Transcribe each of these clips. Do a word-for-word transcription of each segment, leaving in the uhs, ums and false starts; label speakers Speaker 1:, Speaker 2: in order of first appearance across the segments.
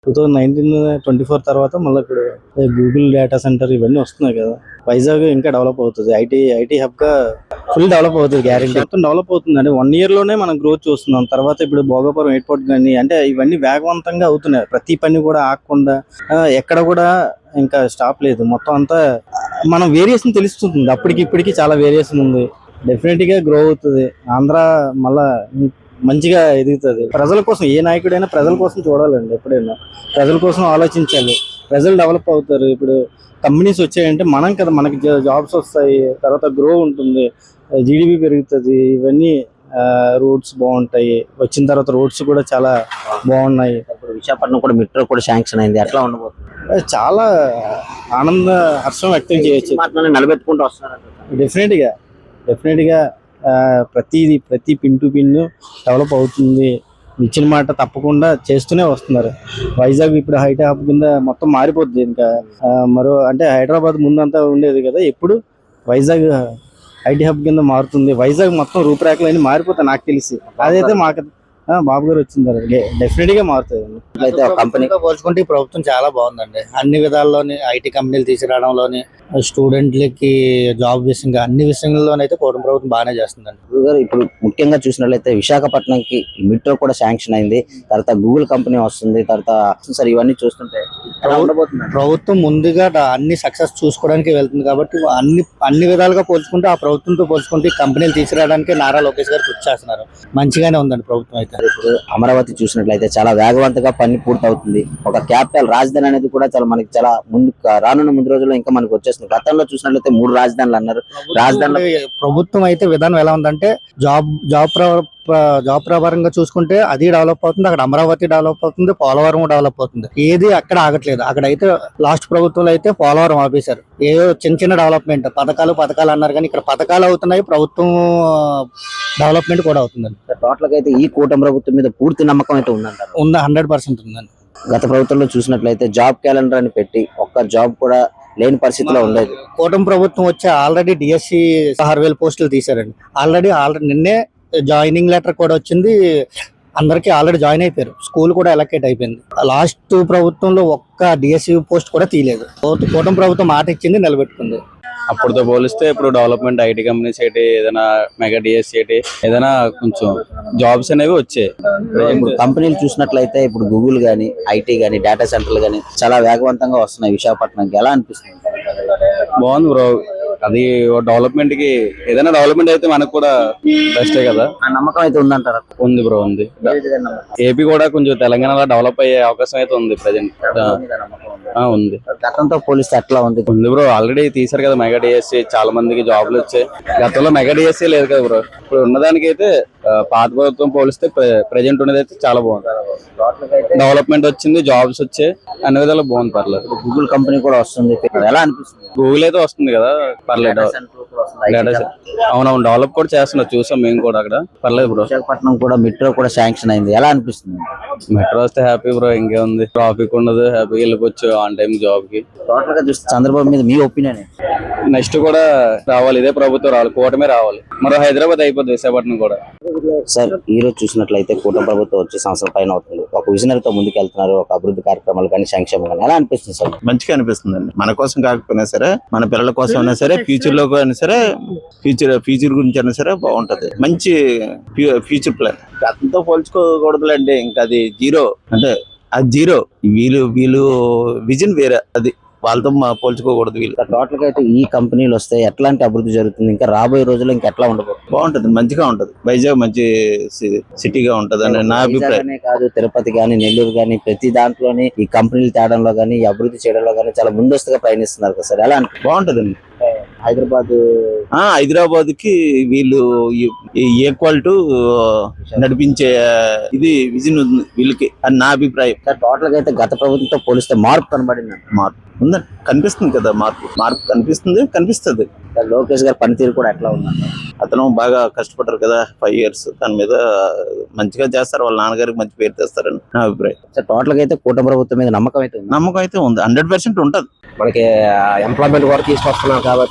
Speaker 1: Two thousand nineteen twenty four తర్వాత మళ్ళీ ఇప్పుడు గూగుల్ డేటా సెంటర్ ఇవన్నీ వస్తున్నాయి కదా. వైజాగ్ ఇంకా డెవలప్ అవుతుంది. ఐటీ ఐటీ హబ్ గా ఫుల్ డెవలప్ అవుతుంది. గ్యారెంటీ మొత్తం డెవలప్ అవుతుంది. అంటే వన్ ఇయర్ లోనే మనం గ్రోత్ చూస్తున్నాం. తర్వాత ఇప్పుడు భోగాపురం ఎయిర్పోర్ట్ కానీ అంటే ఇవన్నీ వేగవంతంగా అవుతున్నాయి. ప్రతి పని కూడా ఆగకుండా ఎక్కడ కూడా ఇంకా స్టాప్ లేదు. మొత్తం అంతా మనం వేరియేషన్ తెలుస్తుంది. అప్పటికి ఇప్పటికి చాలా వేరియేషన్ ఉంది. డెఫినెట్ గా గ్రో అవుతుంది. ఆంధ్ర మళ్ళా మంచిగా ఎదుగుతుంది. ప్రజల కోసం ఏ నాయకుడైనా ప్రజల కోసం చూడాలండి. ఎప్పుడైనా ప్రజల కోసం ఆలోచించాలి. ప్రజలు డెవలప్ అవుతారు. ఇప్పుడు కంపెనీస్ వచ్చాయంటే మనం కదా, మనకి జాబ్స్ వస్తాయి, తర్వాత గ్రో ఉంటుంది, జీడిపి పెరుగుతుంది. ఇవన్నీ రోడ్స్ బాగుంటాయి. వచ్చిన తర్వాత రోడ్స్ కూడా చాలా బాగున్నాయి.
Speaker 2: ఇప్పుడు విశాఖపట్నం కూడా మెట్రో కూడా శాంక్షన్ అయింది. ఎట్లా ఉండబోతుంది?
Speaker 1: చాలా ఆనంద హర్షం వ్యక్తం చేయొచ్చు.
Speaker 2: నిలబెట్టుకుంటూ వస్తున్నారు.
Speaker 1: డెఫినెట్ గా డెఫినెట్ గా ప్రతిది ప్రతి పిన్ టు పిన్ డెవలప్ అవుతుంది. ఇచ్చిన మాట తప్పకుండా చేస్తూనే వస్తున్నారు. వైజాగ్ ఇప్పుడు హైటెక్ హబ్ కింద మొత్తం మారిపోద్ది. ఇంకా మరో అంటే హైదరాబాద్ ముందంతా ఉండేది కదా, ఇప్పుడు వైజాగ్ ఐటీ హబ్ కింద మారుతుంది. వైజాగ్ మొత్తం రూపురేఖలు మారిపోతాయి నాకు తెలిసి. అదైతే మాకు బాబు గారు వచ్చింది డెఫినెట్ గా మారుతుంది.
Speaker 3: అయితే కంపెనీతో పోల్చుకుంటే ఈ ప్రభుత్వం చాలా బాగుందండి. అన్ని విధాల్లోని ఐటీ కంపెనీలు తీసుకురావడంలోని, స్టూడెంట్లకి జాబ్ విషయంగా, అన్ని విషయంలోనైతే కూటమి ప్రభుత్వం బాగానే చేస్తుందండి.
Speaker 2: ఇప్పుడు ముఖ్యంగా చూసినట్లయితే విశాఖపట్నంకి మెట్రో కూడా శాంక్షన్ అయింది. తర్వాత గూగుల్ కంపెనీ వస్తుంది. తర్వాత సార్ ఇవన్నీ చూస్తుంటే
Speaker 3: ప్రభుత్వం ముందుగా అన్ని సక్సెస్ చూసుకోవడానికి వెళ్తుంది కాబట్టి అన్ని అన్ని విధాలుగా పోల్చుకుంటే ఆ ప్రభుత్వంతో పోల్చుకుంటే కంపెనీలు తీసుకురావడానికి నారా లోకేష్ గారు కృషి చేస్తున్నారు. మంచిగానే ఉందండి ప్రభుత్వం అయితే.
Speaker 2: ఇప్పుడు అమరావతి చూసినట్లయితే చాలా వేగవంతంగా పని పూర్తి అవుతుంది. ఒక క్యాపిటల్ రాజధాని అనేది కూడా చాలా మనకి చాలా ముందు రానున్న ముందు రోజుల్లో ఇంకా మనకి వచ్చేస్తుంది. గతంలో చూసినట్లయితే మూడు రాజధానులు అన్నారు. రాజధాని
Speaker 3: ప్రభుత్వం అయితే విధానం ఎలా ఉందంటే జాబ్ జాబ్ జాబ్ ప్రకారంగా చూసుకుంటే అది డెవలప్ అవుతుంది. అక్కడ అమరావతి డెవలప్ అవుతుంది, పోలవరం డెవలప్ అవుతుంది. ఏది అక్కడ ఆగట్లేదు. అక్కడ అయితే లాస్ట్ ప్రభుత్వంలో అయితే పోలవరం ఆపేశారు. ఏదో చిన్న చిన్న డెవలప్మెంట్ పథకాలు పథకాలు అన్నారు, కానీ ఇక్కడ పథకాలు అవుతున్నాయి, ప్రభుత్వం డెవలప్మెంట్ కూడా అవుతుందండి.
Speaker 2: టోటల్ గా అయితే ఈ కూటమి ప్రభుత్వం మీద పూర్తి నమ్మకం అయితే ఉందంటారు.
Speaker 3: ఉందా? హండ్రెడ్ పర్సెంట్ ఉందండి.
Speaker 2: గత ప్రభుత్వంలో చూసినట్లయితే జాబ్ క్యాలెండర్ అని పెట్టి ఒక్క జాబ్ కూడా లేని పరిస్థితిలో ఉండేది.
Speaker 3: కూటమి ప్రభుత్వం వచ్చి ఆల్రెడీ డిఎస్సి ఆరు వేల పోస్టులు తీశారండి. ఆల్రెడీ ఆల్రెడీ నిన్నే జాయినింగ్ లెటర్ కూడా వచ్చింది. అందరికి ఆల్రెడీ జాయిన్ అయిపోయారు. స్కూల్ కూడా ఎలకేట్ అయిపోయింది. లాస్ట్ ప్రభుత్వంలో ఒక్క డిఎస్సి పోస్ట్ కూడా తీయలేదు. కూటమి ప్రభుత్వం మాట ఇచ్చింది, నిలబెట్టుకుంది.
Speaker 4: అప్పుడుతో పోలిస్తే ఇప్పుడు డెవలప్మెంట్ ఐటీ కంపెనీస్ ఏంటి, ఏదైనా మెగా డిఎస్సి ఏంటి, ఏదైనా కొంచెం జాబ్స్ అనేవి వచ్చాయి.
Speaker 2: ఇప్పుడు కంపెనీలు చూసినట్లయితే ఇప్పుడు గూగుల్ గానీ, ఐటీ గానీ, డేటా సెంటర్లు గానీ చాలా వేగవంతంగా వస్తున్నాయి విశాఖపట్నంకి. ఎలా అనిపిస్తుంది?
Speaker 4: బాగుంది బ్రో. అది డెవలప్మెంట్ కి ఏదైనా డెవలప్మెంట్ అయితే మనకు కూడా బెస్టే కదా.
Speaker 2: ఆ నమ్మకం అయితే ఉందంటారా?
Speaker 4: ఉంది బ్రో, ఉంది. ఏపీ కూడా కొంచెం తెలంగాణలో డెవలప్ అయ్యే అవకాశం అయితే ఉంది ప్రజెంట్. ఉంది.
Speaker 2: గతంతో పోలిస్తే ఎట్లా ఉంది?
Speaker 4: ఉంది బ్రో. ఆల్రెడీ తీసారు కదా మెగా డిఎస్సి, చాలా మందికి జాబ్లు వచ్చాయి. గతంలో మెగా డిఎస్సి లేదు కదా బ్రో. ఇప్పుడు ఉన్నదానికి అయితే పాత ప్రభుత్వం పోలిస్తే ప్రెజెంట్ ఉన్నది అయితే చాలా బాగుంది. డెవలప్మెంట్ వచ్చింది, జాబ్స్ వచ్చాయి, అన్ని విధాలు బాగుంది. పర్లేదు.
Speaker 2: గూగుల్ కంపెనీ కూడా వస్తుంది. ఎలా అనిపిస్తుంది?
Speaker 4: గూగుల్ అయితే వస్తుంది కదా, పర్లేదు. అవునవును, డెవలప్ కూడా చేస్తున్నారు, చూసాం మేము కూడా అక్కడ. పర్లేదు బ్రో.
Speaker 2: విశాఖపట్నం కూడా మెట్రో కూడా శాంక్షన్ అయింది. ఎలా అనిపిస్తుంది?
Speaker 4: మెట్రో వస్తే హ్యాపీ బ్రో. ఇంకేముంది, ట్రాఫిక్ ఉండదు, హ్యాపీగా వెళ్ళిపోవచ్చు ఆన్ టైం జాబ్ కి.
Speaker 2: టోటల్ గా చూస్తే చంద్రబాబు మీద మీ ఒపీనియన్?
Speaker 4: నెక్స్ట్ కూడా రావాలి, ఇదే ప్రభుత్వం రావాలి, కూటమే రావాలి. మరో హైదరాబాద్ అయిపోద్ది విశాఖపట్నం కూడా.
Speaker 2: సార్ ఈ రోజు చూసినట్లయితే కూటమి ప్రభుత్వం వచ్చే సంవత్సరం పైన అవుతుంది. ఒక విజనరీతో ముందుకు వెళ్తున్నారు. ఒక అభివృద్ధి కార్యక్రమాలు కానీ, సంక్షేమం కానీ ఎలా అనిపిస్తుంది సార్?
Speaker 5: మంచిగా అనిపిస్తుంది అండి. మన కోసం కాకపోయినా సరే, మన పిల్లల కోసం అయినా సరే, ఫ్యూచర్ లో అయినా సరే, ఫ్యూచర్ ఫ్యూచర్ గురించి అయినా సరే బాగుంటది. మంచి ఫ్యూచర్ ప్లాన్. గతంతో పోల్చుకోకూడదులేండి. ఇంకా అది జీరో, అంటే అది జీరో. వీళ్ళు వీళ్ళు విజన్ వేరే, అది వాళ్ళతో పోల్చుకోకూడదు. వీళ్ళు
Speaker 2: టోటల్ గా అయితే ఈ కంపెనీలు వస్తే ఎట్లాంటి అభివృద్ధి జరుగుతుంది? ఇంకా రాబోయే రోజుల్లో ఇంకా ఎట్లా ఉండబోతుంది?
Speaker 5: బాగుంటది, మంచిగా ఉంటది. వైజాగ్ మంచి సిటీగా ఉంటది అని నా అభిప్రాయం.
Speaker 2: కాదు, తిరుపతి గానీ, నెల్లూరు గానీ, ప్రతి దాంట్లోని ఈ కంపెనీలు తేడంలో గానీ, ఈ అభివృద్ధి చేయడంలో గానీ చాలా ముందస్తుగా ప్రయాణిస్తున్నారు కదా సార్. ఎలా అంటే
Speaker 5: బాగుంటదండి.
Speaker 2: హైదరాబాద్
Speaker 5: హైదరాబాద్ కి వీళ్ళు ఈక్వల్ టు నడిపించే ఇది విజన్ ఉంది వీళ్ళకి అని నా అభిప్రాయం.
Speaker 2: టోటల్ గా అయితే గత ప్రభుత్వంతో పోలిస్తే మార్పు కనబడింది.
Speaker 5: మార్పు ఉందండి, కనిపిస్తుంది కదా. మార్పు మార్పు కనిపిస్తుంది కనిపిస్తుంది
Speaker 2: లోకేష్ గారి పనితీరు కూడా ఎట్లా ఉందండి?
Speaker 5: అతను బాగా కష్టపడ్డారు కదా, ఫైవ్ ఇయర్స్ దాని మీద మంచిగా చేస్తారు. వాళ్ళ నాన్నగారికి మంచి పేరు తెస్తారని నా అభిప్రాయం.
Speaker 2: టోటల్ గా అయితే కూటమి ప్రభుత్వం మీద నమ్మకం అయితే
Speaker 5: నమ్మకం అయితే ఉంది, హండ్రెడ్ పర్సెంట్ ఉంటది.
Speaker 2: మనకి ఎంప్లాయ్మెంట్ కూడా తీసుకొస్తున్నాం కాబట్టి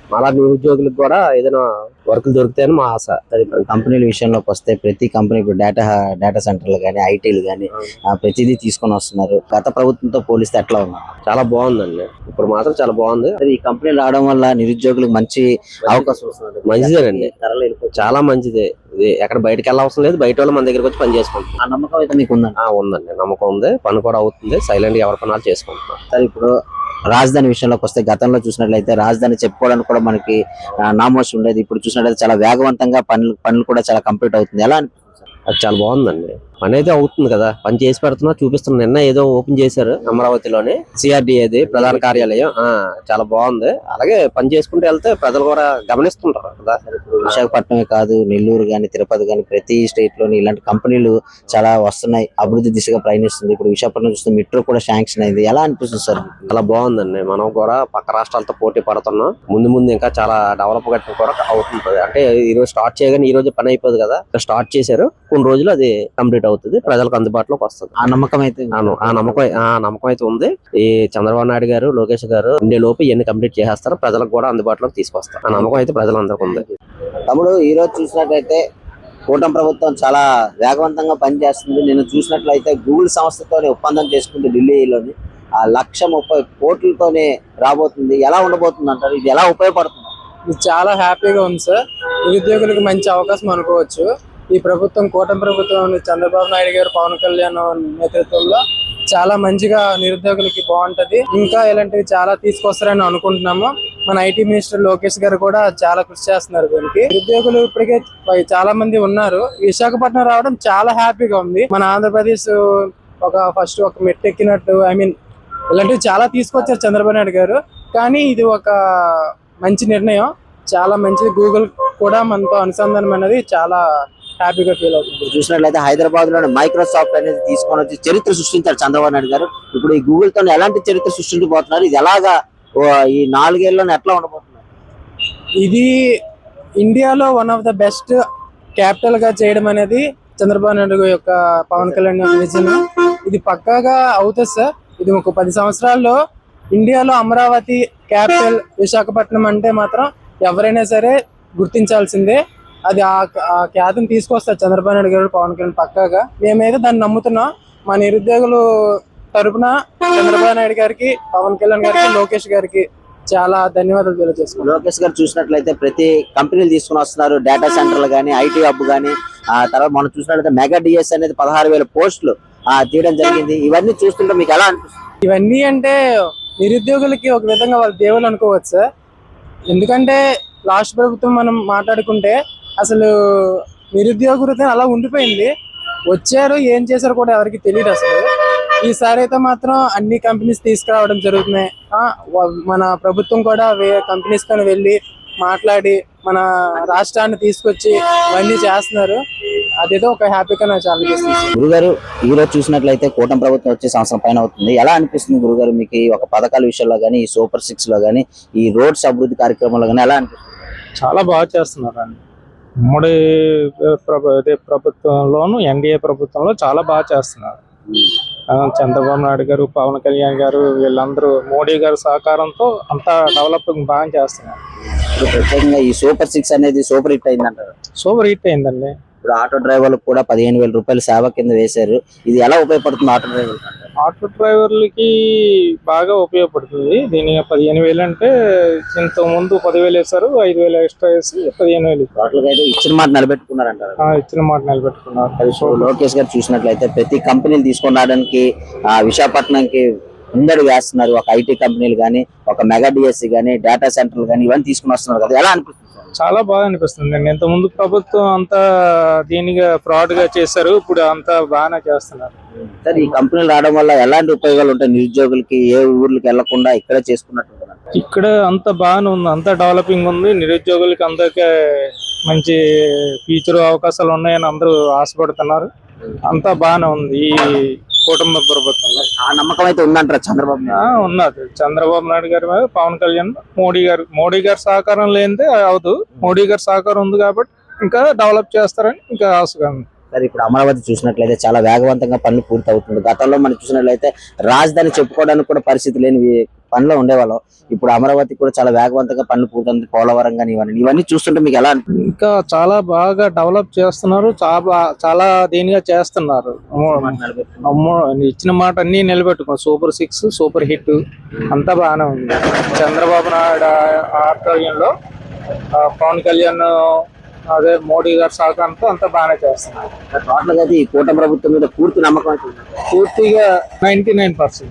Speaker 6: అలా నిరుద్యోగులకు కూడా ఏదైనా వర్క్ దొరుకుతాయని మా ఆశ.
Speaker 2: కంపెనీల విషయంలోకి వస్తే ప్రతి కంపెనీ ఇప్పుడు డేటా డేటా సెంటర్లు కానీ ఐటీలు కానీ ప్రతిదీ తీసుకొని వస్తున్నారు. గత ప్రభుత్వంతో పోలిస్తే ఎట్లా ఉంది?
Speaker 6: చాలా బాగుందండి, ఇప్పుడు మాత్రం చాలా బాగుంది.
Speaker 2: ఈ కంపెనీలు రావడం వల్ల నిరుద్యోగులకు మంచి అవకాశం వస్తుంది.
Speaker 6: మంచిదేనండి, చాలా మంచిదే. ఇది ఎక్కడ బయటకు వెళ్ళవసరం లేదు, బయట వాళ్ళు మన దగ్గరకు వచ్చి పని చేసుకుంటాం.
Speaker 2: ఆ నమ్మకం అయితే మీకు ఉందండి?
Speaker 6: ఆ, ఉందండి, నమ్మకం ఉంది. పని కూడా అవుతుంది, సైలెంట్ గా ఎవరి పనాలు చేసుకుంటున్నాం.
Speaker 2: సరే, ఇప్పుడు రాజధాని విషయంలోకి వస్తే గతంలో చూసినట్లయితే రాజధాని చెప్పుకోవడానికి కూడా మనకి నామోషి ఉండేది. ఇప్పుడు చూసినట్లయితే చాలా వేగవంతంగా పనులు పనులు కూడా చాలా కంప్లీట్ అవుతుంది. ఎలా అనిపిస్తుంది?
Speaker 6: అది చాలా బాగుందండి, పని అయితే అవుతుంది కదా, పని చేసి పెడుతున్నా చూపిస్తున్నా. నిన్న ఏదో ఓపెన్ చేశారు అమరావతిలోని సిఆర్డిఏది ప్రధాన కార్యాలయం. ఆ చాలా బాగుంది. అలాగే పని చేసుకుంటూ వెళ్తే ప్రజలు కూడా గమనిస్తుంటారు కదా.
Speaker 2: విశాఖపట్నమే కాదు, నెల్లూరు గాని, తిరుపతి గాని ప్రతి స్టేట్ లోని ఇలాంటి కంపెనీలు చాలా వస్తున్నాయి, అభివృద్ధి దిశగా ప్రయాణిస్తుంది. ఇప్పుడు విశాఖపట్నం చూస్తే మెట్రో కూడా శాంక్షన్ అయింది. ఎలా అనిపిస్తుంది సార్?
Speaker 6: చాలా బాగుందండి, మనం కూడా పక్క రాష్ట్రాలతో పోటీ పడుతున్నాం. ముందు ముందు ఇంకా చాలా డెవలప్ గట్టి కూడా అవుతుంది. అంటే ఈ రోజు స్టార్ట్ చేయగానే ఈ రోజు పని అయిపోదు కదా, స్టార్ట్ చేశారు, కొన్ని రోజులు అది కంప్లీట్ అవుతుంది, ప్రజలకు అందుబాటులోకి వస్తుంది.
Speaker 2: ఆ నమ్మకం అయితే
Speaker 6: ఆ నమ్మకం ఆ నమ్మకం అయితే ఉంది. ఈ చంద్రబాబు నాయుడు గారు, లోకేష్ గారు ఉండే లోపు ఇవన్నీ కంప్లీట్ చేసేస్తారు, ప్రజలకు కూడా అందుబాటులోకి తీసుకొస్తారు. ఆ నమ్మకం అయితే ప్రజలందరికీ ఉంది.
Speaker 2: తమ్ముడు, ఈ రోజు చూసినట్లయితే కూటమి ప్రభుత్వం చాలా వేగవంతంగా పనిచేస్తుంది. నేను చూసినట్లయితే గూగుల్ సంస్థతోనే ఒప్పందం చేసుకుంది ఢిల్లీలోని. ఆ లక్ష ముప్పై కోట్లతోనే రాబోతుంది. ఎలా ఉండబోతుంది అంటారు? ఇది ఎలా ఉపయోగపడుతుంది?
Speaker 7: ఇది చాలా హ్యాపీగా ఉంది సార్. నిరుద్యోగులకు మంచి అవకాశం అనుకోవచ్చు. ఈ ప్రభుత్వం, కూటమి ప్రభుత్వం, చంద్రబాబు నాయుడు గారు, పవన్ కళ్యాణ్ నేతృత్వంలో చాలా మంచిగా నిరుద్యోగులకి బాగుంటది. ఇంకా ఇలాంటివి చాలా తీసుకొస్తారని అనుకుంటున్నాము. మన ఐటీ మినిస్టర్ లోకేష్ గారు కూడా చాలా కృషి చేస్తున్నారు దీనికి. నిరుద్యోగులు ఇప్పటికే చాలా మంది ఉన్నారు. విశాఖపట్నం రావడం చాలా హ్యాపీగా ఉంది. మన ఆంధ్రప్రదేశ్ ఒక ఫస్ట్ ఒక మెట్టు ఎక్కినట్టు, ఐ మీన్ ఇలాంటివి చాలా తీసుకొచ్చారు చంద్రబాబు నాయుడు గారు. కానీ ఇది ఒక మంచి నిర్ణయం, చాలా మంచిది. గూగుల్ కూడా మనతో అనుసంధానం అనేది చాలా హ్యాపీగా ఫీల్ అవుతుంది.
Speaker 2: చూసినట్లయితే హైదరాబాద్ లో మైక్రోసాఫ్ట్ అనేది తీసుకొని వచ్చి చరిత్ర సృష్టించారు చంద్రబాబు నాయుడు గారు. ఇప్పుడు ఈ గూగుల్ తో ఎలాంటి చరిత్ర సృష్టించబోతున్నారు? ఇది ఎలాగా ఈ నాలుగేళ్లలో ఎట్లా ఉండబోతున్నారు?
Speaker 7: ఇది ఇండియాలో one of the best capital గా చేయడం అనేది చంద్రబాబు నాయుడు యొక్క, పవన్ కళ్యాణ్ విజన్. ఇది పక్కాగా అవుతుంది సార్. ఇది ఒక పది సంవత్సరాల్లో ఇండియాలో అమరావతి క్యాపిటల్ విశాఖపట్నం అంటే మాత్రం ఎవరైనా సరే గుర్తించాల్సిందే. అది ఆ ఖ్యాతిని తీసుకొస్తారు చంద్రబాబు నాయుడు గారు, పవన్ కళ్యాణ్ పక్కాగా. మేమైతే దాన్ని నమ్ముతున్నాం. మా నిరుద్యోగులు తరపున చంద్రబాబు నాయుడు గారికి, పవన్ కళ్యాణ్ గారికి, లోకేష్ గారికి చాలా ధన్యవాదాలు తెలియజేస్తున్నాం.
Speaker 2: లోకేష్ గారు చూసినట్లయితే ప్రతి కంపెనీలు తీసుకుని వస్తున్నారు, డేటా సెంటర్లు కానీ, ఐటీ హబ్ కానీ. ఆ తర్వాత మనం చూసినట్లయితే మెగా డిఎస్ అనేది పదహారు వేల పోస్టులు ఆ తీయడం జరిగింది. ఇవన్నీ చూస్తుంటే మీకు ఎలా అనిపిస్తుంది?
Speaker 7: ఇవన్నీ అంటే నిరుద్యోగులకి ఒక విధంగా వాళ్ళ దేవుళ్ళు అనుకోవచ్చు సార్. ఎందుకంటే లాస్ట్ ప్రభుత్వం మనం మాట్లాడుకుంటే అసలు నిరుద్యోగ వృత్తి అలా ఉండిపోయింది. వచ్చారు, ఏం చేశారు కూడా ఎవరికి తెలియదు అసలు. ఈసారి అయితే మాత్రం అన్ని కంపెనీస్ తీసుకురావడం జరుగుతున్నాయి. మన ప్రభుత్వం కూడా కంపెనీస్ తో వెళ్ళి మాట్లాడి మన రాష్ట్రాన్ని తీసుకొచ్చి ఇవన్నీ చేస్తున్నారు. అదేదో ఒక హ్యాపీగా నాకు చాలా అనిపిస్తుంది.
Speaker 2: గురుగారు, ఈ రోజు చూసినట్లయితే కూటమి ప్రభుత్వం వచ్చే సంవత్సరం పైన అవుతుంది. ఎలా అనిపిస్తుంది గురుగారు మీకు ఈ ఒక పథకాల విషయంలో కానీ, ఈ సూపర్ సిక్స్ లో కానీ, ఈ రోడ్స్ అభివృద్ధి కార్యక్రమంలో కానీ ఎలా అనిపిస్తుంది?
Speaker 8: చాలా బాగా చేస్తున్నారు అండి. ఉమ్మడి ప్రభుత్వంలోను, ఎన్డీఏ ప్రభుత్వంలో చాలా బాగా చేస్తున్నారు. చంద్రబాబు నాయుడు గారు, పవన్ కళ్యాణ్ గారు, వీళ్ళందరూ మోడీ గారి సహకారంతో అంతా డెవలపింగ్ బాగా చేస్తున్నారు.
Speaker 2: ఇప్పుడు ప్రత్యేకంగా ఈ సూపర్ సిక్స్ అనేది సూపర్ హిట్ అయిందంటారు?
Speaker 8: సూపర్ హిట్ అయిందండి.
Speaker 2: ఇప్పుడు ఆటో డ్రైవర్లకు కూడా పదిహేను వేల రూపాయలు సేవ కింద వేశారు. ఇది ఎలా ఉపయోగపడుతుంది ఆటో డ్రైవర్?
Speaker 8: ఆటో డ్రైవర్లకి బాగా ఉపయోగపడుతుంది. దీని పదిహేను వేలు అంటే ఇంత ముందు పదివేలు వేశారు, ఐదు వేలు ఎక్స్ట్రా వేసి పదిహేను వేలు
Speaker 2: అయితే ఇచ్చిన మాట నిలబెట్టుకున్నారంటారు?
Speaker 8: ఇచ్చిన మాట నిలబెట్టుకున్నారు.
Speaker 2: లోకేష్ గారు చూసినట్లయితే ప్రతి కంపెనీలు తీసుకొని రావడానికి ఆ విశాఖపట్నంకి ముందడు వేస్తున్నారు. ఒక ఐటీ కంపెనీలు కానీ, ఒక మెగా డిఎస్సి కానీ, డేటా సెంటర్లు కానీ ఇవన్నీ తీసుకుని వస్తున్నారు కదా, ఎలా అనిపిస్తుంది?
Speaker 8: చాలా బాగా అనిపిస్తుంది అండి. ఇంత ముందు ప్రభుత్వం అంతా దీనిగా ఫ్రాడ్ గా చేశారు, ఇప్పుడు అంతా బాగానే చేస్తున్నారు.
Speaker 2: సార్, ఈ కంపెనీలు రావడం వల్ల ఎలాంటి ఉపయోగాలు ఉంటాయి నిరుద్యోగులకి? ఏ ఊర్లకి వెళ్లకుండా ఇక్కడే చేసుకున్నట్టు
Speaker 8: ఇక్కడ అంత బాగానే ఉంది, అంత డెవలపింగ్ ఉంది. నిరుద్యోగులకి అందరికీ మంచి ఫ్యూచర్ అవకాశాలు ఉన్నాయని అందరూ ఆశపడుతున్నారు. అంతా బాగానే ఉంది ఈ కుటుంబ ప్రభుత్వంలో.
Speaker 2: ఆ నమ్మకం అయితే ఉందంటారా చంద్రబాబు?
Speaker 8: ఉన్నది. చంద్రబాబు నాయుడు గారి మీద, పవన్ కళ్యాణ్, మోడీ గారు మోడీ గారి సహకారం లేనిదే అవదు. మోడీ గారి సహకారం ఉంది కాబట్టి ఇంకా డెవలప్ చేస్తారని ఇంకా ఆశగా ఉంది.
Speaker 2: మాట్లాడారు. ఇప్పుడు అమరావతి చూసినట్లయితే చాలా వేగవంతంగా పనులు పూర్తి అవుతుంది. గతంలో మనం చూసినట్లయితే రాజధాని చెప్పుకోవడానికి కూడా పరిస్థితి లేని పనిలో ఉండేవాళ్ళం. ఇప్పుడు అమరావతి కూడా చాలా వేగవంతంగా పనులు పూర్తవుతుంది. పోలవరం కానీ ఇవన్నీ ఇవన్నీ చూస్తుంటే మీకు ఎలా అనిపిస్తుంది?
Speaker 8: ఇంకా చాలా బాగా డెవలప్ చేస్తున్నారు, చాలా చాలా దీనిగా చేస్తున్నారు. అమ్మో, ఇచ్చిన మాట అన్ని నిలబెట్టుకో. సూపర్ సిక్స్, సూపర్ హిట్ అంతా బాగానే ఉంది. చంద్రబాబు నాయుడు ఆధ్వర్యంలో ఆ, పవన్ కళ్యాణ్ అదే మోడీ గారి సహకారంతో అంతా బాగానే చేస్తున్నారు.
Speaker 2: టోటల్ గా అయితే ఈ కూటమి ప్రభుత్వం మీద పూర్తి నమ్మకం అయితే ఉందా?
Speaker 8: పూర్తిగా నైన్టీ నైన్ పర్సెంట్